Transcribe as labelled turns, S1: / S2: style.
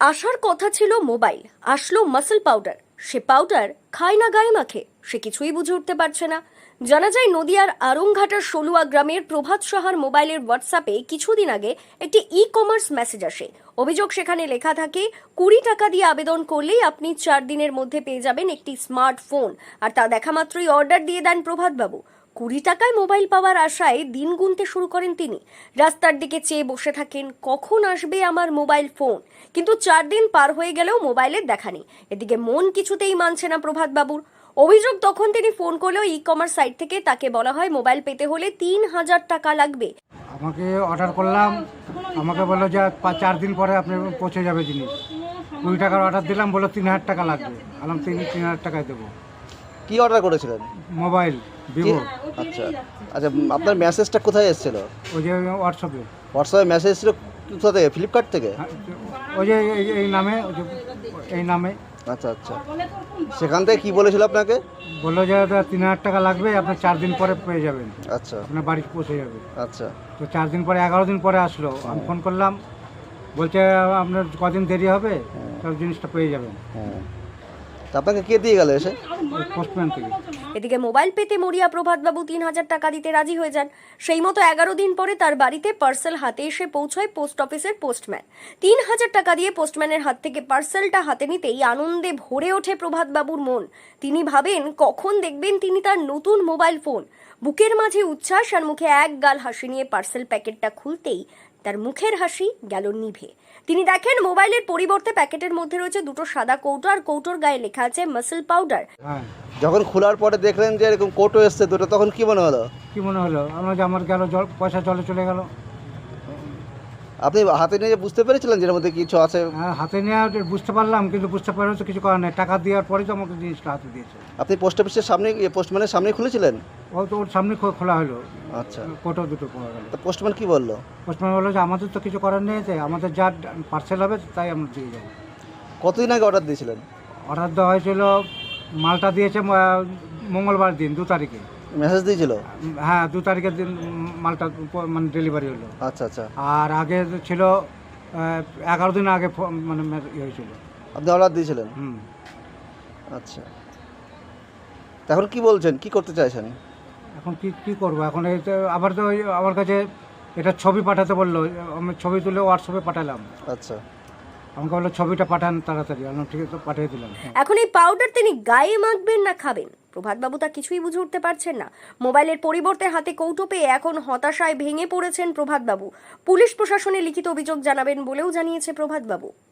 S1: আসার কথা ছিল মোবাইল, আসলো মাসল পাউডার। সে পাউডার খায় না গায়ে মাখে, সে কিছুই বুঝে উঠতে পারছে না। জানা যায় নদিয়ার আরংঘাটার সলুয়া গ্রামের প্রভাত সাহার মোবাইলের হোয়াটসঅ্যাপে কিছুদিন আগে একটি ই কমার্স মেসেজ আসে। অভিযোগ সেখানে লেখা থাকে 20 টাকা দিয়ে আবেদন করলেই আপনি 4 দিনের মধ্যে পেয়ে যাবেন একটি স্মার্টফোন। আর তা দেখা মাত্রই অর্ডার দিয়ে দেন প্রভাতবাবু। 20 টাকায় মোবাইল পাওয়ার আশায় দিন গুনতে শুরু করেন তিনি। রাস্তার দিকে চেয়ে বসে থাকেন, কখন আসবে আমার মোবাইল ফোন। কিন্তু 4 দিন পার হয়ে গেলেও মোবাইলের দেখা নেই। এদিকে মন কিছুতেই মানছে না প্রভাতবাবুর। অভিযোগ, তখন তিনি ফোন করলেও ই কমার্স সাইট থেকে তাকে বলা হয় মোবাইল পেতে হলে 3000 টাকা লাগবে।
S2: আমাকে অর্ডার করলাম, আমাকে বললো যে 4 দিন পরে আপনি পৌঁছে যাবে জিনিস। 20 টাকার অর্ডার দিলাম, বললো 3000 টাকা লাগবে। আলাম 3000 টাকায় দেবো।
S3: কি অর্ডার করেছিলেন?
S2: Mobile Vivo.
S3: আচ্ছা আচ্ছা, আপনার মেসেজটা কোথায় এসেছিল?
S2: ওই যে হোয়াটসঅ্যাপে।
S3: হোয়াটসঅ্যাপে মেসেজ ছিল কোথা থেকে? ফ্লিপকার্ট থেকে?
S2: ওই যে এই নামে, ওই যে এই নামে।
S3: আচ্ছা আচ্ছা, সেখান থেকে কি বলেছিল আপনাকে?
S2: বললো যে 3000 টাকা লাগবে, আপনি 4 দিন পরে পেয়ে যাবেন,
S3: আচ্ছা
S2: আপনার বাড়ি পৌঁছে যাবে।
S3: আচ্ছা,
S2: তো 4 দিন পরে 11 দিন পরে আসলো। আমি ফোন করলাম, বলছে আপনার কদিন দেরি হবে, সব জিনিসটা পেয়ে যাবেন।
S3: তা আপনাকে কে দিয়ে গেল এসে?
S2: পোস্টম্যান থেকে।
S1: এদিকে মোবাইল পেতে মরিয়া প্রভাতবাবু 3000 টাকা দিতে রাজি হয়ে যান। সেই মতো 11 দিন পরে তার বাড়িতে পার্সেল হাতে এসে পৌঁছয় পোস্ট অফিসের পোস্টম্যান। 3000 টাকা দিয়ে পোস্টম্যানের হাত থেকে পার্সেলটা হাতে নিতেই আনন্দে ভরে ওঠে প্রভাতবাবুর মন। তিনি ভাবেন কখন দেখবেন তিনি তার নতুন মোবাইল ফোন। বুকের মাঝে উচ্ছ্বাস আর মুখে এক গাল হাসি নিয়ে পার্সেল প্যাকেটটা খুলতেই তার মুখের হাসি গেল নিভে। তিনি দেখেন মোবাইলের পরিবর্তে প্যাকেটের মধ্যে রয়েছে দুটো সাদা কৌটো, আর কৌটোর গায়ে লেখা আছে মাসল পাউডার।
S2: হ্যাঁ,
S3: যখন খোলার পরে দেখলেন যে এরকম কোটো এসছে দুটো, তখন কি মনে হলো?
S2: কি মনে হলো? আমরা যে আমার গেল পয়সা জলে চলে গেল।
S3: আপনি হাতে নিয়ে বুঝতে পেরেছিলেন যে এর মধ্যে কিছু আছে?
S2: হ্যাঁ, হাতে নিয়ে বুঝতে পারলাম, কিন্তু বুঝতে পারলে তো কিছু করার নেই। টাকা দেওয়ার পরেই তো আমাকে জিনিসটা হাতে দিয়েছে।
S3: আপনি পোস্ট অফিসের সামনে, পোস্টম্যানের সামনে খুলেছিলেন?
S2: ও তো ওর সামনে খোলা হলো,
S3: আচ্ছা,
S2: কোটো দুটো পাওয়া গেল।
S3: তো পোস্টম্যান কি বললো?
S2: পোস্টম্যান বললো যে আমাদের তো কিছু করার নেই, যে আমাদের যা পার্সেল হবে তাই আমরা দিয়ে যাবো।
S3: কতদিন আগে অর্ডার দিয়েছিলেন?
S2: অর্ডার দেওয়া হয়েছিল, মালটা দিয়েছে মঙ্গলবার দিন 2 তারিখে।
S3: মেসেজ দিয়েছিল?
S2: হ্যাঁ, 2 তারিখের দিন মালটা মানে ডেলিভারি হলো।
S3: আচ্ছা আচ্ছা,
S2: আর আগে ছিল 11 দিন আগে মানে ইয়ে হয়েছিল।
S3: আপনি অর্ডার দিয়েছিলেন? আচ্ছা, তা এখন কি বলছেন, কি করতে চাইছেন?
S2: এখন কি করবো? এখন এই তো আবার তো আমার কাছে এটা ছবি পাঠাতে বললো। আমি ছবি তুলে হোয়াটসঅ্যাপে পাঠালাম।
S3: আচ্ছা,
S2: আমাকে বললো ছবিটা পাঠান তাড়াতাড়ি। আমি ঠিক আছে, পাঠিয়ে দিলাম।
S1: এখন এই পাউডার তিনি গায়ে মাখবেন না খাবেন, প্রভাতবাবু তা কিছুই বুঝে উঠতে পারছেন না। মোবাইলের পরিবর্তে হাতে কৌটো পেয়ে এখন হতাশায় ভেঙে পড়েছেন প্রভাতবাবু। পুলিশ প্রশাসনে লিখিত অভিযোগ জানাবেন বলেও জানিয়েছে প্রভাতবাবু।